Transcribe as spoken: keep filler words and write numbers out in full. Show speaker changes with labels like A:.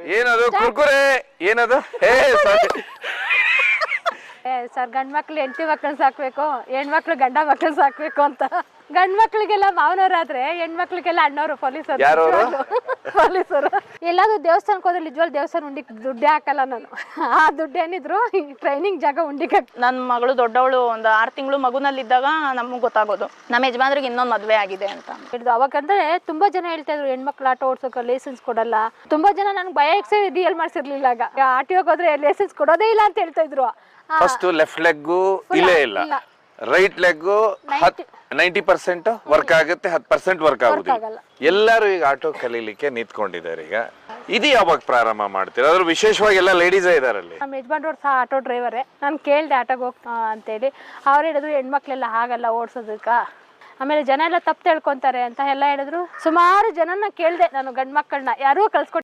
A: ಏನದು ಕುರ್ಕುರೆ ಏನದು ಹೇ
B: ಸರ್ ಗಂಡ್ ಮಕ್ಳು ಹೆಂಡತಿ ಮಕ್ಳನ್ನ ಸಾಕ್ಬೇಕು ಹೆಣ್ಮಕ್ಳು ಗಂಡ ಮಕ್ಳನ್ನ ಸಾಕ್ಬೇಕು ಅಂತ ಗಂಡ್ ಮಕ್ಳಿಗೆಲ್ಲ ಮಾವನವರಾದ್ರೆ ಹೆಣ್ಮಕ್ಳಿಗೆಲ್ಲ ಅಣ್ಣವರು ಪೊಲೀಸರು ಪೊಲೀಸರು. ಎಲ್ಲಾದ್ರೂ ದೇವಸ್ಥಾನಕ್ಕೆ ಹೋದ್ರೆ ನಿಜವಾಗ್ ದೇವಸ್ಥಾನ ಉಂಡಿಕ್ ದುಡ್ಡೇ ಹಾಕಲ್ಲ ನಾನು. ಆ ದುಡ್ಡು ಏನಿದ್ರು ಟ್ರೈನಿಂಗ್ ಜಾಗ ಉಂಡಿಕ್.
C: ನನ್ನ ಮಗಳು ದೊಡ್ಡವಳು ಒಂದು ಆರು ತಿಂಗಳು ಮಗುನಲ್ಲಿದ್ದಾಗ ನಮಗೆ ಗೊತ್ತಾಗೋದು ನಮ್ಮ ಯಜಮಾನ್ರಿಗೆ ಇನ್ನೊಂದು ಮದುವೆ ಆಗಿದೆ ಅಂತ.
B: ಹಿಡಿದು ಅವಾಗಂದ್ರೆ ತುಂಬಾ ಜನ ಹೇಳ್ತಾ ಇದ್ರು ಹೆಣ್ಮಕ್ಳು ಆಟೋ ಓಡ್ಸೋಕೆ ಲೈಸೆನ್ಸ್ ಕೊಡಲ್ಲ. ತುಂಬಾ ಜನ ನನ್ಗೆ ಭಯ ಎಕ್ಸೆ ರಿಯಲ್ ಮಾಡ್ಸಿರ್ಲಿಲ್ಲ. ಆಗ ಆರ್ ಟಿ ಹೋದ್ರೆ ಲೈಸೆನ್ಸ್ ಕೊಡೋದೇ ಇಲ್ಲ ಅಂತ ಹೇಳ್ತಾ ಇದ್ರು.
A: ಫಸ್ಟ್ ಲೆಫ್ಟ್ ಲೆಗ್ ಇಲ್ಲೇ ಇಲ್ಲ, right leg ninety percent work ಆಗುತ್ತೆ, ಹತ್ತು ಪರ್ಸೆಂಟ್ ವರ್ಕ್ ಆಗುದಿಲ್ಲ. ಎಲ್ಲರೂ ಈಗ ಆಟೋ ಕಲೀಲಿಕ್ಕೆ ನಿಂತ್ಕೊಂಡಿದ್ದಾರೆ. ಈಗ ಇದು ಯಾವಾಗ ಪ್ರಾರಂಭ ಮಾಡ್ತೀರಾ? ಅದ್ರ ವಿಶೇಷವಾಗಿ ಎಲ್ಲ ಲೇಡೀಸೇ ಇದಾರಲ್ಲಿ.
B: ನಮ್ಮ ಯಜಮಾನ್ರವ್ರು ಸಹ ಆಟೋ ಡ್ರೈವರೇ. ನಾನು ಕೇಳ್ದೆ ಆಟೋಗೆ ಹೋಗ್ತಾ ಅಂತೇಳಿ. ಅವ್ರು ಹೇಳಿದ್ರು ಹೆಣ್ಮಕ್ಳೆಲ್ಲ ಆಗಲ್ಲ ಓಡಿಸೋದಕ್ಕ, ಆಮೇಲೆ ಜನ ಎಲ್ಲ ತಪ್ಪು ತಿಳ್ಕೊಂತಾರೆ ಅಂತ ಎಲ್ಲ ಹೇಳಿದ್ರು. ಸುಮಾರು ಜನನ ಕೇಳಿದೆ ನಾನು, ಗಂಡು ಮಕ್ಕಳನ್ನ ಯಾರೂ ಕಳ್ಸ್ಕೊಟ್ಟು